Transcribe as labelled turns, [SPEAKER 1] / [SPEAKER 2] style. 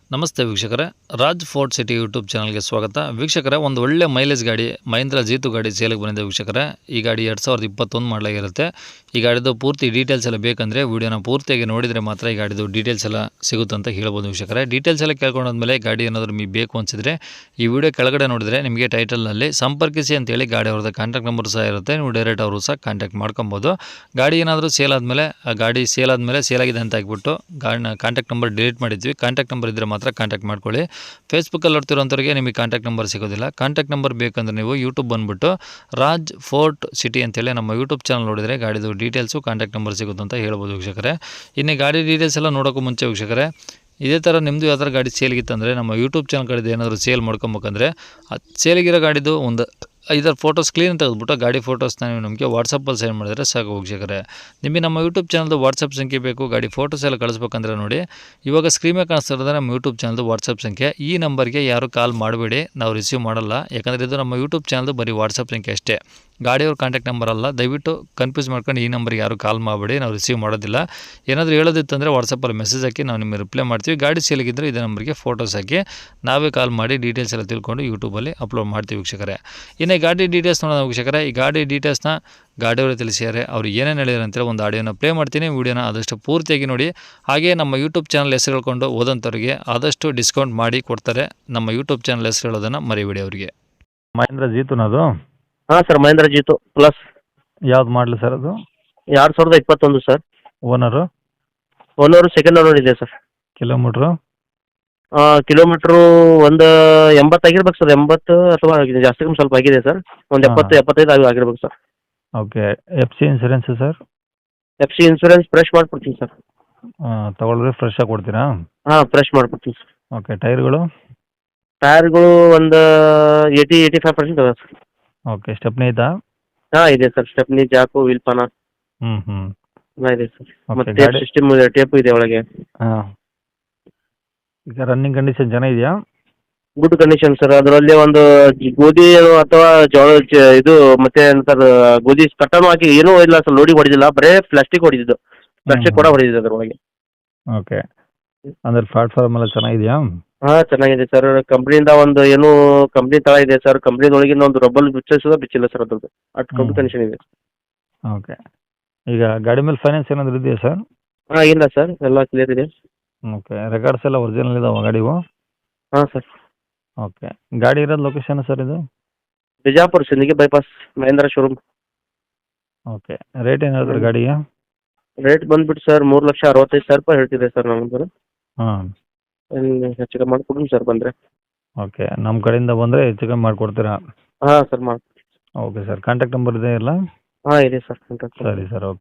[SPEAKER 1] ನಮಸ್ತೆ ವೀಕ್ಷಕರೇ, Raj fort city YouTube ಚಾನಲ್ಗೆ ಸ್ವಾಗತ. ವೀಕ್ಷಕರೇ, ಒಂದು ಒಳ್ಳೆ ಮೈಲೇಜ್ ಗಾಡಿ ಮಹೀಂದ್ರ ಜೀತು ಗಾಡಿ ಸೇಲಿಗೆ ಬಂದಿದೆ ವೀಕ್ಷಕರೇ. ಈ ಗಾಡಿ 2021 ಮಾಡಲಾಗಿರುತ್ತೆ. ಈ ಗಾಡಿದು ಪೂರ್ತಿ ಡೀಟೇಲ್ಸ್ ಎಲ್ಲ ಬೇಕಂದರೆ ವೀಡಿಯೋನ ಪೂರ್ತಿಯಾಗಿ ನೋಡಿದರೆ ಮಾತ್ರ ಈ ಗಾಡಿದು ಡೀಟೇಲ್ಸ್ ಎಲ್ಲ ಸಿಗುತ್ತೆ ಅಂತ ಹೇಳ್ಬೋದು ವೀಕ್ಷಕರೇ. ಡೀಟೇಲ್ಸ್ ಎಲ್ಲ ಕೇಳ್ಕೊಂಡಾದ್ಮೇಲೆ ಗಾಡಿ ಏನಾದರೂ ನಿಮಗೆ ಬೇಕು ಅನಿಸಿದ್ರೆ ಈ ವಿಡಿಯೋ ಕೆಳಗಡೆ ನೋಡಿದರೆ ನಿಮಗೆ ಟೈಟಲ್ನಲ್ಲಿ ಸಂಪರ್ಕಿಸಿ ಅಂತೇಳಿ ಗಾಡಿ ಅವ್ರದ್ದು ಕಾಂಟ್ಯಾಕ್ಟ್ ನಂಬರ್ ಸಹ ಇರುತ್ತೆ. ನೀವು ಡೈರೆಕ್ಟ್ ಅವರು ಸಹ ಕಾಂಟ್ಯಾಕ್ಟ್ ಮಾಡ್ಕೊಬೋದು. ಗಾಡಿ ಏನಾದರೂ ಸೇಲ್ ಆದಮೇಲೆ ಸೇಲ್ ಆಗಿದೆ ಅಂತ ಹಾಕ್ಬಿಟ್ಟು ಗಾಡಿನ ಕಾಂಟ್ಯಾಕ್ಟ್ ನಂಬರ್ ಡಿಲೀಟ್ ಮಾಡಿದ್ವಿ. ಕಾಂಟ್ಯಾಕ್ಟ್ ನಂಬರ್ ಇದ್ದರೆ ಮಾತ್ರ ಕಾಂಟ್ಯಾಕ್ಟ್ ಮಾಡ್ಕೊಳ್ಳಿ. ಫೇಸ್ಬುಕ್ಕಲ್ಲಿ ನೋಡ್ತಿರೋಂಥವ್ರಿಗೆ ನಿಮಗೆ ಕಾಂಟ್ಯಾಕ್ಟ್ ನಂಬರ್ ಸಿಗೋದಿಲ್ಲ. ಕಾಂಟ್ಯಾಕ್ಟ್ ನಂಬರ್ ಬೇಕಂದ್ರೆ ನೀವು ಯೂಟ್ಯೂಬ್ ಬಂದುಬಿಟ್ಟು ರಾಜ್ ಫೋರ್ಟ್ ಸಿಟಿ ಅಂತೇಳಿ ನಮ್ಮ ಯೂಟ್ಯೂಬ್ ಚಾನಲ್ ನೋಡಿದರೆ ಗಾಡಿದು ಡೀಟೇಲ್ಸು ಕಾಂಟ್ಯಾಕ್ಟ್ ನಂಬರ್ ಸಿಗುತ್ತೆ ಅಂತ ಹೇಳ್ಬೋದು ವೀಕ್ಷಕರೇ. ಇನ್ನು ಗಾಡಿ ಡೀಟೇಲ್ಸ್ ಎಲ್ಲ ನೋಡೋಕ್ಕೂ ಮುಂಚೆ ವೀಕ್ಷಕರೇ, ಇದೇ ಥರ ನಿಮ್ಮದು ಯಾವ್ದಾರು ಗಾಡಿ ಸೇಲ್ಗಿತ್ತಂದರೆ ನಮ್ಮ ಯೂಟ್ಯೂಬ್ ಚಾನಲ್ ಕಡೆದು ಏನಾದರೂ ಸೇಲ್ ಮಾಡ್ಕೊಬೇಕಂದ್ರೆ ಸೇಲಿಗಿರೋ ಗಾಡಿದು ಒಂದು 5 ಫೋಟೋಸ್ ಕ್ಲೀನ್ ತೆಗೆದುಬಿಟ್ಟು ಗಾಡಿ ಫೋಟೋಸ್ನ ನೀವು ನಮಗೆ ವಾಟ್ಸಪ್ಪಲ್ಲಿ ಸೆಂಡ್ ಮಾಡಿದರೆ ಸಾಕು ವೀಕ್ಷಕರೇ. ನಿಮಗೆ ನಮ್ಮ ಯೂಟ್ಯೂಬ್ ಚಾನಲ್ದು ವಾಟ್ಸಪ್ ಸಂಖ್ಯೆ ಬೇಕು, ಗಾಡಿ ಫೋಟೋಸ್ ಎಲ್ಲ ಕಳಿಸ್ಬೇಕಂದ್ರೆ ನೋಡಿ, ಇವಾಗ ಸ್ಕ್ರೀನ್ ಮೇಲೆ ಕಾಣಿಸ್ತಾ ಇರೋದು ನಮ್ಮ ಯೂಟ್ಯೂಬ್ ಚಾನಲ್ದು ವಾಟ್ಸಪ್ ಸಂಖ್ಯೆ. ಈ ನಂಬರ್ಗೆ ಯಾರು ಕಾಲ್ ಮಾಡಬೇಡಿ, ನಾವು ರಿಸೀವ್ ಮಾಡಲ್ಲ. ಯಾಕಂದರೆ ಇದು ನಮ್ಮ ಯೂಟ್ಯೂಬ್ ಚಾನಲ್ದು ಬರೀ ವಾಟ್ಸಪ್ ಸಂಖ್ಯೆ ಅಷ್ಟೇ, ಗಾಡಿಯವ್ರ ಕಾಂಟ್ಯಾಕ್ಟ್ ನಂಬರ್ ಅಲ್ಲ. ದಯವಿಟ್ಟು ಕನ್ಫ್ಯೂಸ್ ಮಾಡ್ಕೊಂಡು ಈ ನಂಬರ್ಗೆ ಯಾರು ಕಾಲ್ ಮಾಡಬೇಡಿ, ನಾವು ರಿಸೀವ್ ಮಾಡೋದಿಲ್ಲ. ಏನಾದರೂ ಹೇಳೋದಿತ್ತಂದರೆ ವಾಟ್ಸಪ್ಪಲ್ಲಿ ಮೆಸೇಜ್ ಹಾಕಿ ನಾವು ನಿಮಗೆ ರಿಪ್ಲೈ ಮಾಡ್ತೀವಿ. ಗಾಡಿ ಸೇಲಿಗಿದ್ದರೆ ಇದೇ ನಂಬರ್ಗೆ ಫೋಟೋಸ್ ಹಾಕಿ ನಾವೇ ಕಾಲ್ ಮಾಡಿ ಡೀಟೇಲ್ಸ್ ಎಲ್ಲ ತಿಳ್ಕೊಂಡು ಯೂಟ್ಯೂಬಲ್ಲಿ ಅಪ್ಲೋಡ್ ಮಾಡ್ತೀವಿ ವೀಕ್ಷಕರೇ. ಇನ್ನು ಗಾಡಿ ಡೀಟೇಲ್ಸ್ ನೋಡೋಣ ವೀಕ್ಷಕರೇ. ಈ ಗಾಡಿ ಡೀಟೇಲ್ಸ್ನ ಗಾಡಿಯವರು ತಿಳಿಸಿದ್ದಾರೆ. ಅವ್ರು ಏನೇನು ಹೇಳಿದ್ರು ಅಂತೇಳಿ ಒಂದು ಆಡಿಯೋನ ಪ್ಲೇ ಮಾಡ್ತೀನಿ. ವೀಡಿಯೋನ ಆದಷ್ಟು ಪೂರ್ತಿಯಾಗಿ ನೋಡಿ. ಹಾಗೆ ನಮ್ಮ ಯೂಟ್ಯೂಬ್ ಚಾನಲ್ ಹೆಸರು ಹೇಳ್ಕೊಂಡು ಹೋದಂಥವ್ರಿಗೆ ಆದಷ್ಟು ಡಿಸ್ಕೌಂಟ್ ಮಾಡಿ ಕೊಡ್ತಾರೆ. ನಮ್ಮ ಯೂಟ್ಯೂಬ್ ಚಾನಲ್ ಹೆಸರು ಹೇಳೋದನ್ನು ಮರಿಬೇಡಿ ಅವರಿಗೆ. ಮಹೀಂದ್ರ ಜೀತುನದು?
[SPEAKER 2] ಹಾಂ ಸರ್, ಮಹೇಂದ್ರ ಜೀತು ಪ್ಲಸ್.
[SPEAKER 1] ಯಾವ್ದು ಮಾಡಲಿ ಸರ್ ಅದು?
[SPEAKER 2] 2021 sir.
[SPEAKER 1] Owner?
[SPEAKER 2] Owner second owner ಇದೆ ಸರ್.
[SPEAKER 1] ಕಿಲೋಮೀಟ್ರು?
[SPEAKER 2] ಕಿಲೋಮೀಟ್ರು ಒಂದು 80 ಆಗಿರ್ಬೇಕು ಸರ್. 80 ಅಥವಾ ಜಾಸ್ತಿ ಕಮ್ಮಿ ಸ್ವಲ್ಪ ಆಗಿದೆ ಸರ್. ಒಂದು 70-75 ಆಗಿರ್ಬೇಕು sir.
[SPEAKER 1] Okay. F C insurance sir?
[SPEAKER 2] FC insurance fresh ಮಾಡಿಕೊಡ್ತೀನಿ ಸರ್.
[SPEAKER 1] ತೊಗೊಳಿದ್ರೆ ಫ್ರೆಶ್ ಆಗಿ ಕೊಡ್ತೀರಾ?
[SPEAKER 2] ಹಾಂ, ಫ್ರೆಶ್ ಮಾಡಿಕೊಡ್ತೀನಿ ಸರ್.
[SPEAKER 1] ಓಕೆ. ಟೈರ್ಗಳು?
[SPEAKER 2] ಟೈರ್ಗಳು ಒಂದು 80-85% ಅದ ಸರ್.
[SPEAKER 1] ಓಕೆ. ಸ್ಟೆಪ್ನಿ ಐತಾ?
[SPEAKER 2] ಹಾಂ, ಇದೆ ಸರ್. ಸ್ಟೆಪ್ನಿ, ಜಾಕು, ವೀಲ್ಪಾನ
[SPEAKER 1] ಹ್ಞೂ
[SPEAKER 2] ಎಲ್ಲ ಇದೆ ಸರ್.
[SPEAKER 1] Okay,
[SPEAKER 2] ಮತ್ತೆ ಟೇಪ್ ಸಿಸ್ಟಮ್ ಇದೆ, ಟೇಪು ಇದೆ ಒಳಗೆ.
[SPEAKER 1] ಹಾಂ. ಈಗ ರನ್ನಿಂಗ್ ಕಂಡೀಷನ್ ಚೆನ್ನಾಗಿದೆಯಾ?
[SPEAKER 2] Good condition sir. ಅದರಲ್ಲಿ ಒಂದು ಗೋಧಿ ಅಥವಾ ಜೋಳ ಇದು ಮತ್ತೆ ಏನಂತಾರೆ ಗೋಧಿ ಕಟ್ಟನು ಹಾಕಿ ಏನೂ ಇಲ್ಲ ಸರ್. ಲೋಡಿ ಹೊಡೆದಿಲ್ಲ, ಬರೇ ಪ್ಲಾಸ್ಟಿಕ್ ಹೊಡೆದಿದ್ದು. ಪ್ಲಾಸ್ಟಿಕ್ ಕೂಡ ಹೊಡೆದಿದೆ ಅದರೊಳಗೆ.
[SPEAKER 1] ಓಕೆ. ಅಂದರೆ ಪ್ಲಾಟ್ಫಾರ್ಮ್ ಎಲ್ಲ ಚೆನ್ನಾಗಿದೆಯಾ?
[SPEAKER 2] ಹಾಂ, ಚೆನ್ನಾಗಿದೆ ಸರ್. ಕಂಪ್ನಿಯಿಂದ ಒಂದು ಏನು ಕಂಪ್ನಿ ತಳ ಇದೆ ಸರ್. ಕಂಪ್ನಿದೊಳಗಿಂದ ಒಂದು ರಬ್ಬಲ್ ಬಿಚ್ಚಿಲ್ಲ ಸರ್ ಅದ್ರದ್ದು. ಅಷ್ಟು ಗುಡ್ ಕಂಡೀಷನ್ ಇದೆ.
[SPEAKER 1] ಓಕೆ. ಈಗ ಗಾಡಿ ಮೇಲೆ ಫೈನಾನ್ಸ್ ಏನಾದರೂ ಇದೆಯಾ ಸರ್?
[SPEAKER 2] ಹಾಂ, ಇಲ್ಲ ಸರ್, ಎಲ್ಲ ಕ್ಲಿಯರ್ ಇದೆ.
[SPEAKER 1] ಓಕೆ. ರೆಕಾರ್ಡ್ಸ್ ಎಲ್ಲ ಒರಿಜಿನಲ್ ಇದಾವೆ ಗಾಡಿವು?
[SPEAKER 2] ಹಾಂ ಸರ್.
[SPEAKER 1] ಓಕೆ. ಗಾಡಿ ಇರೋದು ಲೊಕೇಶನ್ ಸರ್ ಇದು?
[SPEAKER 2] Bijapur Sindagi bypass Mahindra showroom.
[SPEAKER 1] Okay. Rate ಏನು ಹೇಳಿದ್ರಿ ಗಾಡಿಗೆ?
[SPEAKER 2] ರೇಟ್ ಬಂದ್ಬಿಟ್ಟು ಸರ್ 3,65,000 ರೂಪಾಯಿ ಹೇಳ್ತಿದೆ ಸರ್ ನಮ್ಮದು.
[SPEAKER 1] ಹಾಂ.
[SPEAKER 2] ಹೆಚ್ಚು ಕಮ್ಮಿ ಮಾಡಿಕೊಡ್ತೀನಿ ಸರ್ ಬಂದರೆ.
[SPEAKER 1] ಓಕೆ. ನಮ್ಮ ಕಡೆಯಿಂದ ಬಂದರೆ ಹೆಚ್ಚು ಕಮ್ಮಿ ಮಾಡಿಕೊಡ್ತೀರಾ?
[SPEAKER 2] ಹಾಂ ಸರ್, ಮಾಡಿ.
[SPEAKER 1] Okay sir. ಕಾಂಟ್ಯಾಕ್ಟ್ ನಂಬರ್ ಇದೆ ಇಲ್ಲ?
[SPEAKER 2] ಹಾಂ, ಇದೆ ಸರ್ ಕಾಂಟ್ಯಾಕ್ಟ್.
[SPEAKER 1] ಸರಿ ಸರ್. ಓಕೆ.